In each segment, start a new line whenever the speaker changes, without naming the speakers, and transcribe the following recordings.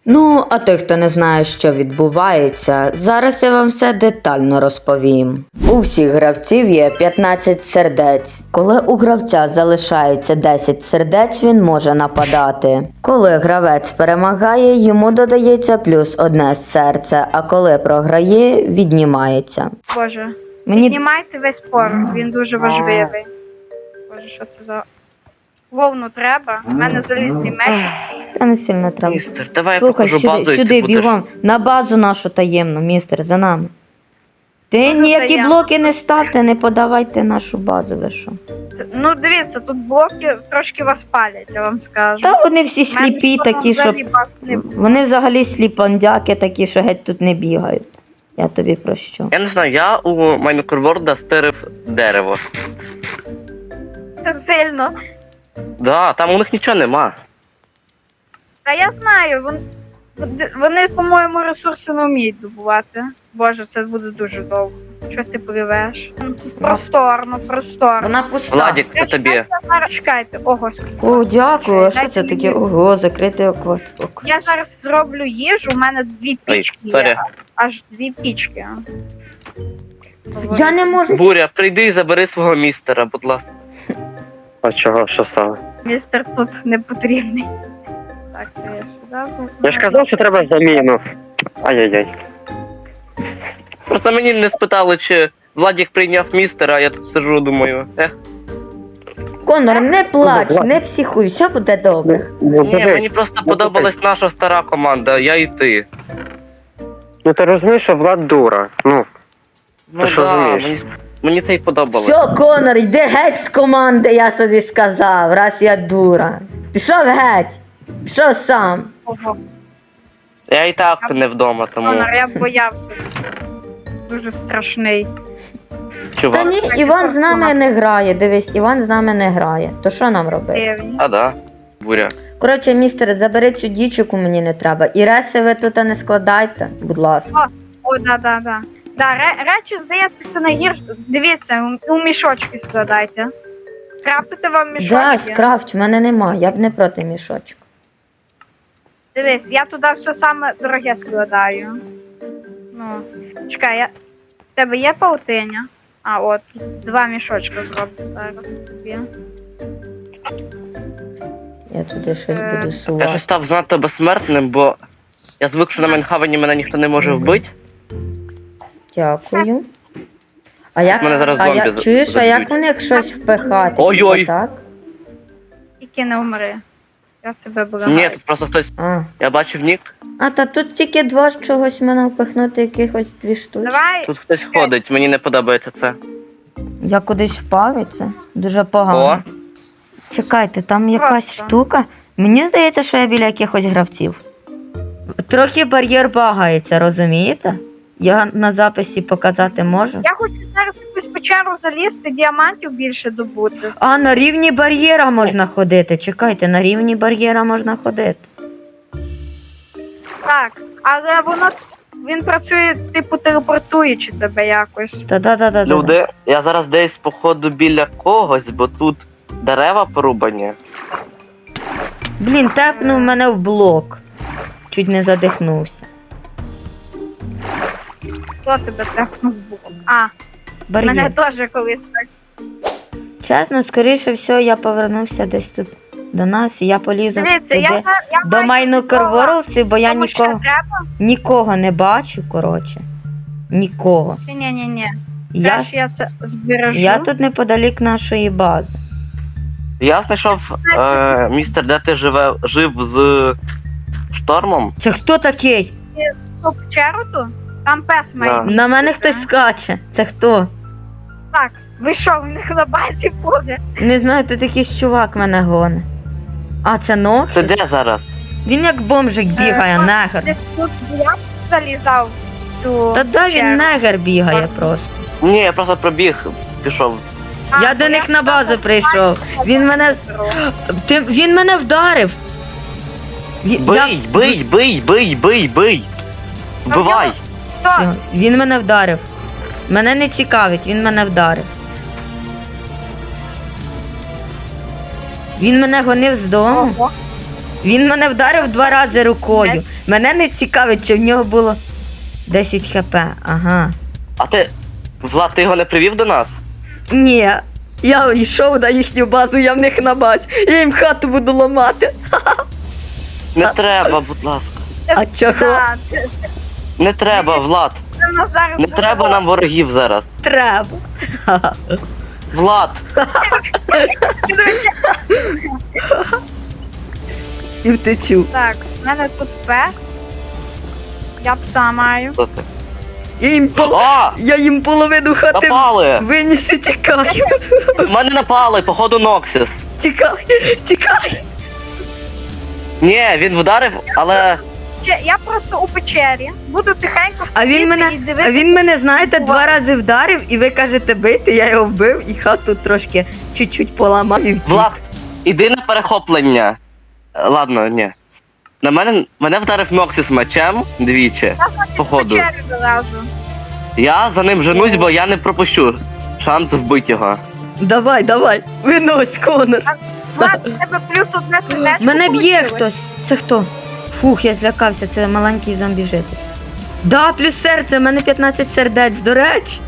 Ну, а той, хто не знає, що відбувається, зараз я вам все детально розповім. У всіх гравців є 15 сердець. Коли у гравця залишається 10 сердець, він може нападати. Коли гравець перемагає, йому додається плюс 1 серце, а коли програє, віднімається.
Боже,
Мені
піднімайте весь порох, він дуже важливий. Боже, що це за... Вовну треба, у мене залізний меч.
та не сильно треба.
Містер, давай я
Слухай,
покажу базу, і
сюди
ти будеш...
бігом. На базу нашу таємну, містер, за нами. Ти
Ну,
ніякі
таємно.
блоки не ставте, не подавайте нашу базу, ви що.
Ну, дивіться, тут блоки трошки вас палять, я вам скажу.
Та вони всі
У мене
сліпі
ніколи
такі, що...
взагалі баз не було.
Вони взагалі сліпандяки такі, що геть тут не бігають. Я тобі прощу.
Я не знаю, я у Майнкорворда стирив дерево.
Так сильно.
Да, там у них нічого нема.
Та я знаю, вони, по-моєму, ресурси не вміють добувати. Боже, це буде дуже довго. Що ти пливеш? Просторно, просторно.
Вона пуста.
Владік, це тобі.
Чекайте, ого, скільки.
О, дякую. А що
Дайте
це
мені.
таке? Ого, закритий акваток.
Я зараз зроблю їжу, у мене 2
Ой,
пічки
сорі.
є. Аж 2 пічки.
Я не можу.
Буря, прийди і забери свого містера, будь ласка. А чого, що саме?
Містер тут не потрібний. Так, це я сюди.
Я ж казав, що треба заміну. Ай-яй-яй.
Просто мені не спитали, чи Владік прийняв містера, а я тут сиджу, думаю,
Конор, не плач,
Влад.
не психуй, все буде добре.
Ну,
Ні,
диви.
мені просто подобалась наша стара команда, я і ти.
Ну ти розумієш, що Влад дура. Ну,
Ну
що
да,
розумієш?
мені це й подобалось.
Все, Конор, йди геть з команди, я тобі сказав, раз я дура. Пішов геть. Пішов сам.
Ого.
Я і так не вдома, тому
Конор, я боявся. Дуже страшний.
Та
чувак.
ні, Іван з нами не грає, дивись, Іван з нами не грає. То що нам робити?
Дивні.
А да, буря.
Коротше, містер, забери цю дівчинку, мені не треба. І реси ви тут не складайте, будь ласка.
О, да. Да, речі, здається, це найгірше. Дивіться, у мішочки складайте. Крафтите вам
Да,
мішочки.
скрафт, в мене нема, я б не проти мішочку.
Дивись, я туди все саме дороге складаю. Ну, чекай, в тебе є паутиня? А, от, тут 2 мішочки зроблю зараз тобі.
Я туди щось буду
Я ж
сувати.
став занадто безсмертним, бо я звик, що на Майнхавені мене ніхто не може вбити.
Дякую. А як,
Мене зараз
а
зомбі
як чуєш, а як у них щось впихати?
Ой-ой.
Типа так?
Тільки не вмри. Я тебе благаю.
Ні, тут просто хтось.
А.
Я бачив нік,
А та тут тільки 2 з чогось мене впихнути, якихось 2 штуки.
Давай,
тут хтось ходить, мені не подобається це.
Я кудись впав і це дуже погано.
О,
Чекайте, там якась
Просто.
штука. Мені здається, що я біля якихось гравців. Трохи бар'єр багається, розумієте? Я на записі показати можу.
я хочу зараз в якусь печеру залізти, діамантів більше добути.
А, на рівні бар'єра можна ходити. Чекайте, на рівні бар'єра можна ходити.
Так, але він працює, типу, телепортуючи тебе якось.
Та-да-да-да.
люди, я зараз десь походу біля когось, бо тут дерева порубані.
Блін, тепнув мене в блок. Чуть не задихнувся.
Хто тебе трахнув в бок? А, мене
Бар'єр.
теж колись так.
Чесно, скоріше всього, я повернувся десь тут до нас, і я полізу
Дивіться,
туди.
я
До
маю
Майнкорвордсів, бо я
тому що треба.
нікого не бачу, коротше. Нікого.
Ні.
Я,
Краще я це збережу.
я тут неподалік нашої бази.
Я знайшов містер, де ти жив з штормом.
Це хто такий?
Ту печеру ту? Там пес має.
Да.
бігти,
На мене
так?
хтось скаче. Це хто?
Так, ви що, в них на базі буде?
Не знаю, тут якийсь чувак мене гоне. А, це Нокс?
Ти де зараз?
Він як бомжик бігає, негр.
Десь тут я залізав в ту
Та да,
печеру.
він негр бігає просто.
Ні, я просто пробіг, пішов.
А,
Я
бо
до них на
туди
базу прийшов.
попав.
Він мене. Він мене вдарив.
Бий! Вбивай!
Хто?
Він мене вдарив. Мене не цікавить, він мене вдарив. Він мене гонив з дому.
Ого.
Він мене вдарив 2 рази рукою. Мене не цікавить, чи в нього було 10 хп. Ага.
А ти. Влад, ти його не привів до нас?
Ні, я йшов на їхню базу, я в них на базі. Я їм хату буду ламати.
Не треба, будь ласка.
А чого?
Да, це
Не треба, Влад.
в нас зараз
Не
буде
треба нам ворогів зараз.
Треба.
Влад,
І втечу.
Так, в мене тут пес. Я пса маю.
що ти?
Я їм половину хати
Напали!
виніс і тікаю.
Мене напали, походу Ноксіс.
Тікай.
Ні, він вдарив, але.
Я просто у печері. Буду тихенько
А
сидіти
він
і дивитися.
мене, знаєте, 2 рази вдарив, і ви кажете бити, я його вбив і хату трошки чуть-чуть поламав і втік.
Влад, іди на перехоплення. Ладно, ні. На мене вдарив Ноксіс мечем двічі.
Я значить,
походу.
в печері залазу.
Я за ним женусь, бо я не пропущу шанс вбити його.
Давай, винось, Конор.
Влад, у тебе плюс одне сердечко.
Мене б'є
получилось.
хтось. Це хто? Фух, я злякався, це маленький зомбі-житель. Да, плюс серце, в мене 15 сердець, до речі.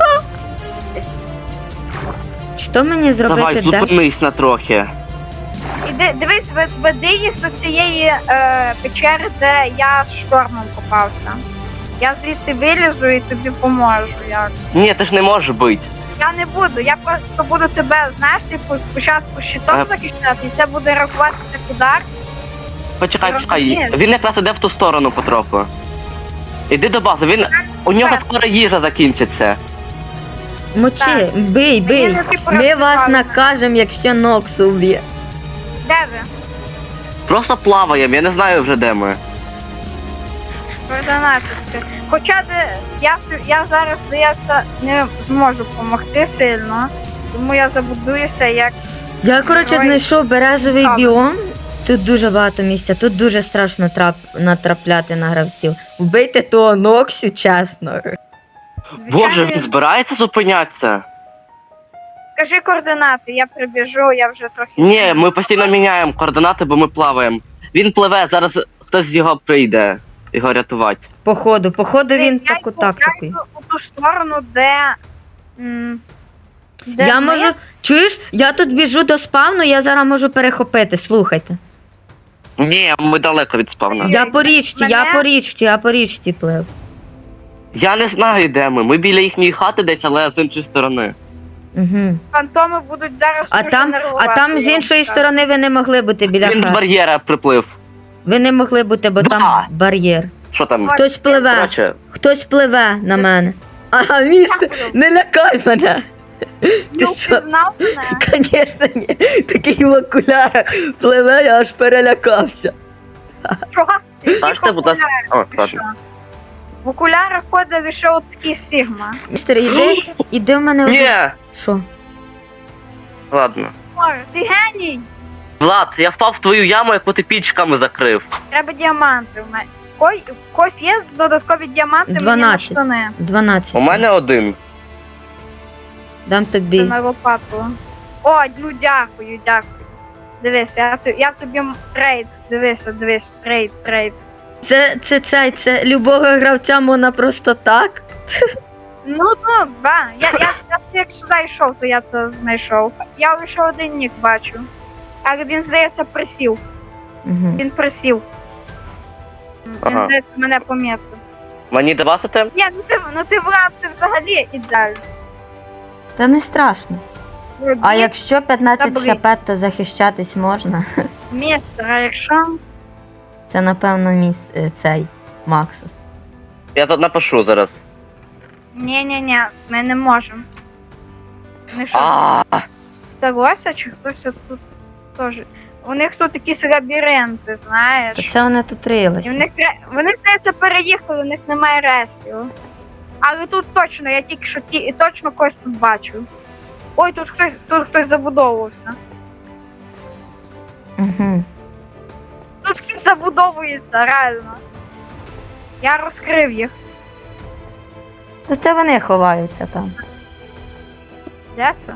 Що мені зробити?
Давай, зупинись на трохи.
Іди, дивись, веди їх до цієї печери, де я з штормом попався. Я звідти вилізу і тобі поможу. Як.
Ні, ти ж не можеш бити.
Я не буду, я просто буду тебе, знаєш, типу, спочатку щитом захищати, і це буде рахуватися як удар.
Почекай.
Розумієш?
Він якраз іде в ту сторону потроху. Іди до бази, у нього скоро їжа закінчиться.
Мочи,
Так.
бий.
Мені не типу
Ми вас
розсипали.
накажемо, якщо Ноксу вб'є.
Де ви?
Просто плаваємо, я не знаю вже де ми.
Координатівське. Хоча я зараз, здається, не зможу допомогти сильно, тому я забудуюся як.
Я, коротше,
Давай.
знайшов березовий
Так.
біом. Тут дуже багато місця, тут дуже страшно натрапляти на гравців. Вбийте того Ноксю, чесно.
Боже, він збирається зупинятися?
Кажи координати, я прибіжу, я вже трохи.
Ні, ми постійно міняємо координати, бо ми плаваємо. Він пливе, зараз хтось з його прийде його рятувати.
Походу він
Я
таку
йду
тактику.
у ту сторону, де. Де
Я
ми.
можу. Чуєш? Я тут біжу до спавну, я зараз можу перехопити, слухайте.
Ні, ми далеко від спавна.
Ні.
Я по річці плив.
Я не знаю, де ми. Ми біля їхньої хати десь, але з іншої сторони.
Угу.
Фантоми будуть зараз.
А
дуже
там
нервувати,
з
я
іншої
вам
сторони ви не могли бути біля
Він з
хати.
бар'єра приплив.
Ви не могли бути, бо
Да.
там бар'єр.
Що там?
Хтось пливе на мене. Ага, містер, не лякай мене.
Не
Ти що?
впізнав мене?
Звісно, ні. Такий в окулярах пливе, я аж перелякався.
Чого?
Скажете, будь ласка. О,
Ти
ладно.
що? В окулярах ходить лише от такий Сігма.
Містер, іди в мене.
Ні!
Що?
Ладно.
Ой, ти геній!
Влад, я впав в твою яму, яку ти пічками закрив.
Треба діаманти. У мене. В когось є додаткові діаманти мені на
12.
штани.
12.
У мене один.
Дам
Це
тобі.
на лопату. О, ну дякую. Дивись, я тобі трейд. Дивись, трейд.
Це любого гравця можна просто так.
Ну, да. Я як сюди йшов, то я це знайшов. Я лише один нік бачу. Але він, здається, присів.
Угу.
Він присів. Він,
Ага.
здається, мене помітив.
Мені давасите?
Ні, ти Влад, ти взагалі ідеально.
Та не страшно. А якщо 15 хп, то захищатись можна.
Містер, а якщо?
Це напевно цей Максус.
Я тут напишу зараз.
Ні, ми не можемо. Ми що,
А,
сталося, чи хтось тут теж? У них тут якісь лабіринти, знаєш.
То це вони тут
І
рилися.
вони, здається, переїхали, у них немає ресів. Але тут точно, я тільки що точно когось тут бачу. Ой, тут хтось забудовувався.
Угу.
Тут хтось забудовується, реально. Я розкрив їх.
То це вони ховаються там.
Де це?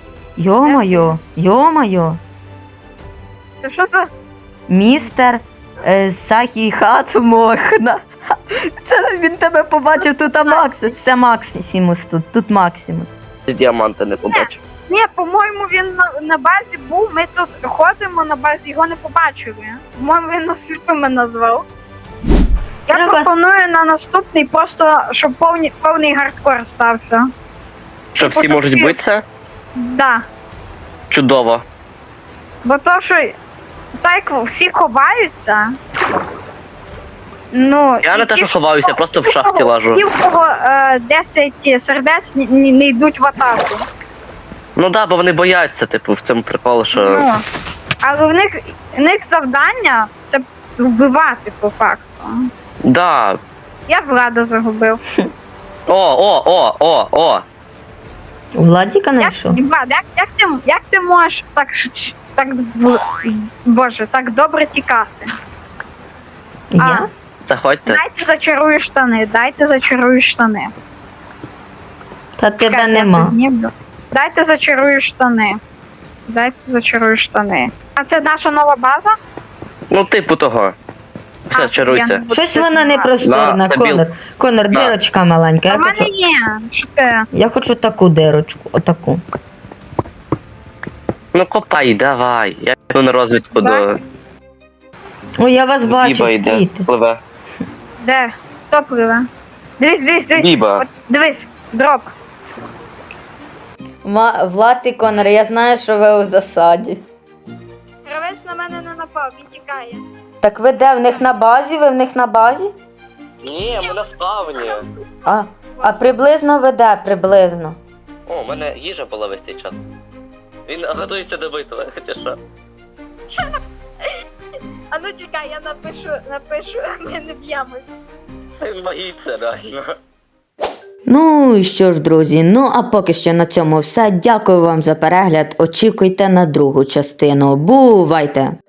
Йо-моє.
Це що за.
Містер, Сахі хату можна. Це він тебе побачив, тут Максимус. Це Максимус тут Максимус.
Діаманти не побачив.
Ні, по-моєму, він на базі був, ми тут ходимо на базі, його не побачили. По-моєму, він нас сліпими назвав. Я
Треба-
пропоную на наступний просто, щоб повний гардкор стався.
Що всі
Щоб
можуть
всі-
битися?
Да.
Чудово.
Бо то, що так всі ховаються. Ну,
Я
і
не те,
ті,
що ховаюся, просто в шахті лажу.
Ті, в кого 10 сердець не йдуть в атаку.
Ну да, бо вони бояться, типу, в цьому прикол, що.
Ну, але в них завдання це вбивати по факту.
Да.
Я Влада загубив.
О!
У Владіка
Як,
знайшов?
Влад, як ти можеш Боже, так добре тікати?
Я?
Заходьте.
Дайте зачарую штани.
Та тебе
Чекайте, я це
нема.
знімлю. Дайте зачарую штани. А це наша нова база?
Ну, типу того. Все,
я
чаруйся.
не буду
Щось
це
вона не
знімати.
просторна,
На,
Конор. Конор,
На.
дирочка маленька.
А
Я
в мене
хочу,
є. Що ти?
я хочу таку дирочку, отаку.
Ну копай, давай. Я йду на розвідку
Так.
Ой, я вас
до
бачу,
Діба йде.
світи.
Пливе.
Де? Хто пливе? Дивись.
Діба.
От, дивись, дроп.
Влад і Конор, я знаю, що ви у засаді.
Гравець на мене не напав, він тікає.
Так ви де? В них на базі? Ви в них на базі?
Ні, ми на спавні.
А приблизно ви де? Приблизно.
О, у мене їжа була весь цей час. Він готується до битви, хоча що.
А ну чекай, я напишу, ми не б'ємось.
Він боїться, реально.
Ну що ж, друзі, ну а поки що на цьому все. Дякую вам за перегляд. Очікуйте на другу частину. Бувайте!